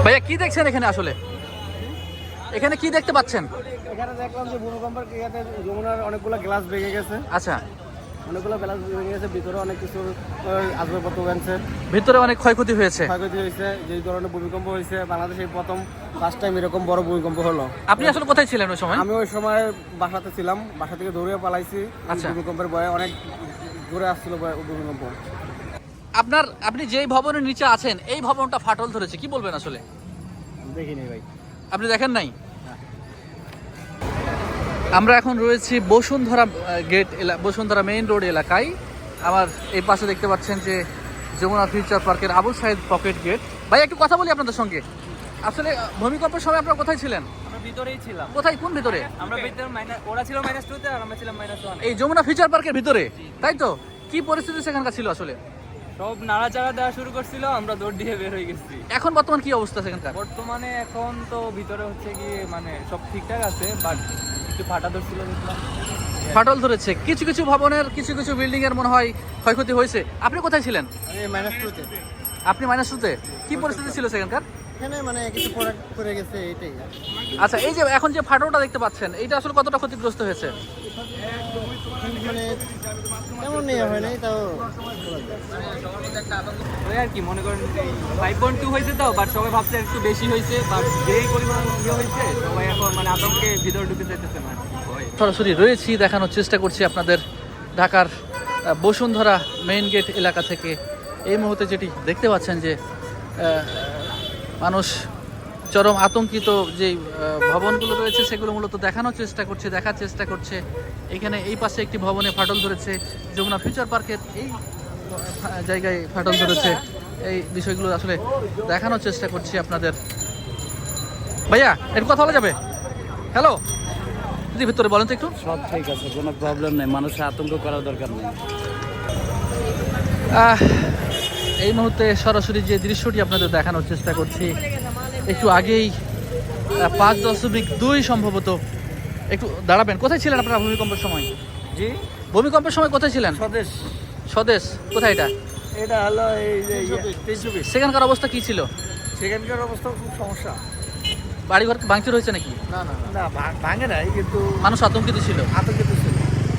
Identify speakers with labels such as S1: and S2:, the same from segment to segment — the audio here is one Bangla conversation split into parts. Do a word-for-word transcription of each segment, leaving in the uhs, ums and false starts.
S1: ভাইয়া কি দেখছেন এখানে আসলে? এখানে কি দেখতে পাচ্ছেন?
S2: এখানে দেখলাম যে ভূমিকম্পের ইয়াতে যমুনার অনেকগুলো গ্লাস ভেঙে গেছে।
S1: আচ্ছা,
S2: অনেকগুলো গ্লাস ভেঙে গেছে, ভিতরে অনেক কিছু আসবাবপত্র ভেঙেছে,
S1: ভিতরে অনেক ক্ষয়ক্ষতি হয়েছে।
S2: ক্ষয়ক্ষতি হয়েছে। যেই ধরনের ভূমিকম্প হয়েছে বাংলাদেশে প্রথম ফার্স্ট টাইম এরকম বড় ভূমিকম্প হলো।
S1: আপনি আসলে কোথায় ছিলেন ওই সময়?
S2: আমি ওই সময় বাসাতে ছিলাম, বাসা থেকে দৌড়িয়ে পালাইছি।
S1: আচ্ছা।
S2: ভূমিকম্পের ভয়ে অনেক দূরে আসছিল ভূমিকম্প।
S1: আপনার আপনি যেই ভবনের নিচে আছেন এই ভবনটা ফাটল ধরেছে, কি বলবেন আসলে?
S2: দেখিনি ভাই।
S1: আপনি দেখেন নাই? আমরা এখন রয়েছি বসুন্ধরা গেট এলাকা, বসুন্ধরা মেইন রোড এলাকায়। আমার এই পাশে দেখতে পাচ্ছেন যে যমুনা ফিউচার পার্কের আবুল সাইদ পকেট গেট। ভাই একটু কথা বলি আপনাদের সঙ্গে। আসলে ভূমিকম্পের সময় আপনারা কোথায় ছিলেন?
S3: আমরা ভিতরেই ছিলাম।
S1: কোথায়, কোন ভিতরে?
S3: আমরা ভিতরে মাইনাস, ওরা ছিল মাইনাস টু তে আর আমরা ছিলাম মাইনাস ওয়ান।
S1: এই যমুনা ফিউচার পার্কের ভিতরে, তাই তো? কি পরিস্থিতি সেখানকার ছিল আসলে?
S3: সব নাড়াচাড়া দেওয়া শুরু করছিল, আমরা দৌড় দিয়ে বের হয়ে গেছি।
S1: এখন বর্তমান কি অবস্থা সেখানকার?
S3: বর্তমানে এখন তো ভিতরে হচ্ছে কি মানে সব ঠিকঠাক আছে, বাট একটু ফাটা ধরছিল দেখলাম।
S1: ফাটল ধরেছে কিছু কিছু ভবনের, কিছু কিছু বিল্ডিং এর মনে হয় ক্ষয়ক্ষতি হয়েছে। আপনি কোথায় ছিলেন?
S2: আমি মাইনাস টুতে।
S1: আপনি মাইনাস টুতে। কি পরিস্থিতি ছিল সেখানকার?
S2: এখানে মানে কিছু প্রোডাক্ট করে গেছে, এটাই।
S1: আচ্ছা, এই যে এখন যে ফাটলটা দেখতে পাচ্ছেন এটা আসলে কতটা ক্ষতিগ্রস্ত হয়েছে?
S2: মানে তেমন নেই, হয় নাই তাও।
S3: ওই আর কি মনে করেন ফাইভ পয়েন্ট টু হয়েছে তো, বাট সবাই ভাবছে একটু বেশি হয়েছে, বাট যেই পরিমাণ ইয়ে হয়েছে সবাই এখন মানে আতঙ্কে ভিতরে ঢুকে যেতেছে না।
S1: সরাসরি রয়েছি, দেখানোর চেষ্টা করছি আপনাদের ঢাকার আহ, বসুন্ধরা মেইন গেট এলাকা থেকে। এই মুহূর্তে যেটি দেখতে পাচ্ছেন যে আহ, মানুষ চরম আতঙ্কিত যে আহ, ভবনগুলো রয়েছে সেগুলো মূলত দেখানোর চেষ্টা করছে, দেখার চেষ্টা করছে। এখানে এই পাশে একটি ভবনে ফাটল ধরেছে, যমুনা ফিউচার পার্কের এই ফা- জায়গায় ফাটল ধরেছে। এই বিষয়গুলো আসলে দেখানোর চেষ্টা করছি আপনাদের। ভাইয়া একটু কথা বলা যাবে? হ্যালো, যদি ভিতরে বলেন তো একটু।
S2: সব ঠিক আছে, কোনো প্রবলেম নেই, মানুষের আতঙ্ক করার দরকার নেই।
S1: আহ, এই মুহূর্তে সরাসরি যে দৃশ্যটি আপনাদের দেখানোর চেষ্টা করছি, একটু আগেই আহ, পাঁচ দশমিক দুই সম্ভবত। একটু দাঁড়াবেন, কোথায় ছিলেন আপনারা ভূমিকম্পের সময়?
S2: জি,
S1: ভূমিকম্পের সময় কোথায় ছিলেন?
S2: স্বদেশ।
S1: স্বদেশ কোথায় এটা?
S2: এটা হলো এই যে তেইশ চব্বিশ।
S1: সেখানকার অবস্থা কি ছিল?
S2: সেখানকার অবস্থা খুব সমস্যা।
S1: বাড়িঘর ভাঙচুর হয়েছে নাকি?
S2: না না না, ভা- ভাঙে নাই, কিন্তু
S1: মানুষ আতঙ্কিত ছিল।
S2: আতঙ্কিত ছিল।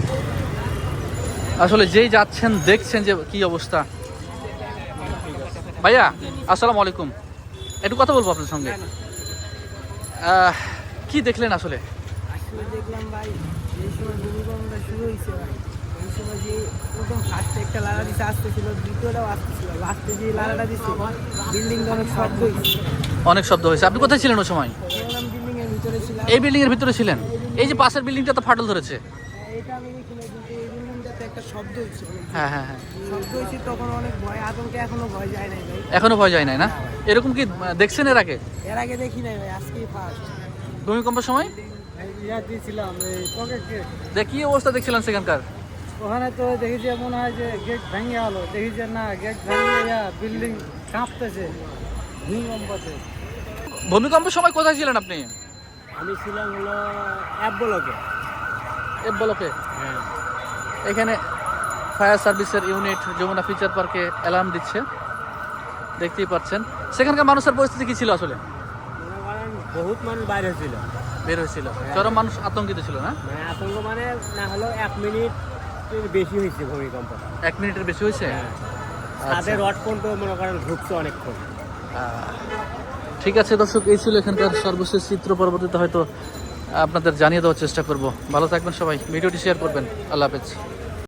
S1: আসলে যেই যাচ্ছেন দেখছেন যে কি অবস্থা। ভাইয়া আসসালামু আলাইকুম, একটু কথা বলবো আপনার সঙ্গে। আহ, কি দেখলেন আসলে?
S4: আসলে দেখলাম ভাই, এই সময় ভূমিকম্পটা শুরু হয়েছে ভাই, এই সময় যে প্রথম ফার্স্টে একটা লাড়া দিতে আসতেছিল, দ্বিতীয়টাও আসতেছিল, লাস্টে যে লাড়াটা দিচ্ছে বিল্ডিং অনেক শব্দ হয়েছে।
S1: অনেক শব্দ হয়েছে। আপনি কোথায় ছিলেন ওই সময়?
S4: বললাম বিল্ডিং এর ভিতরে ছিলাম।
S1: এই বিল্ডিং এর ভিতরে ছিলেন? এই যে পাশের বিল্ডিংটা তো ফাটল ধরেছে।
S4: এটা আমি দেখি না, কিন্তু এই বিল্ডিংটাতে একটা শব্দ হয়েছে,
S1: হ্যাঁ হ্যাঁ হ্যাঁ,
S4: শব্দ হয়েছে তখন অনেক ভয়, আতঙ্কে এখনো ভয় যায় নাই ভাই।
S1: এখনো ভয় যায় নাই না? এরকম কি আহ, দেখছেন এর আগে
S4: এর আগে দেখি নাই ভাই, আজকেই ফার্স্ট।
S1: ভূমিকম্পের সময়?
S4: ইয়া দিয়েছিলাম এই পকেট গেট,
S1: যে কি অবস্থা দেখছিলেন সেখানকার?
S4: ওখানে তো দেখি যে মনে হয় যে গেট ভেঙে গেলো, দেখি যে না গেট ভেঙে বিল্ডিং কাঁপতেছে ভূমিকম্পতে।
S1: ভূমিকম্পের সময় কোথায় ছিলেন আপনি?
S4: আমি ছিলাম হলো অ্যাপ ব্লকে।
S1: এফ ব্লকে।
S4: হ্যাঁ,
S1: এখানে ফায়ার সার্ভিসের ইউনিট যমুনা ফিউচার পার্কে অ্যালার্ম দিচ্ছে, দেখতেই পাচ্ছেন। সেখানকার মানুষের পরিস্থিতি কি ছিল আসলে?
S4: মনে করেন বহুত মানুষ বাইরে ছিল,
S1: বের হয়েছিল, চরম মানুষ আতঙ্কিত ছিল না?
S4: মানে আতঙ্ক মানে না হলেও এক মিনিট বেশি হয়েছে ভূমিকম্প।
S1: এক মিনিটের বেশি হয়েছে?
S4: তাদের রড পর্যন্ত মনে করেন ঘুরছে অনেকক্ষণ।
S1: আহ, ঠিক আছে দর্শক, এই ছিল এখানকার সর্বশেষ চিত্র। পরবর্তীতে হয়তো আপনাদের জানিয়ে দেওয়ার চেষ্টা করব। ভালো থাকবেন সবাই, ভিডিওটি শেয়ার করবেন। আল্লাহ হাফেজ।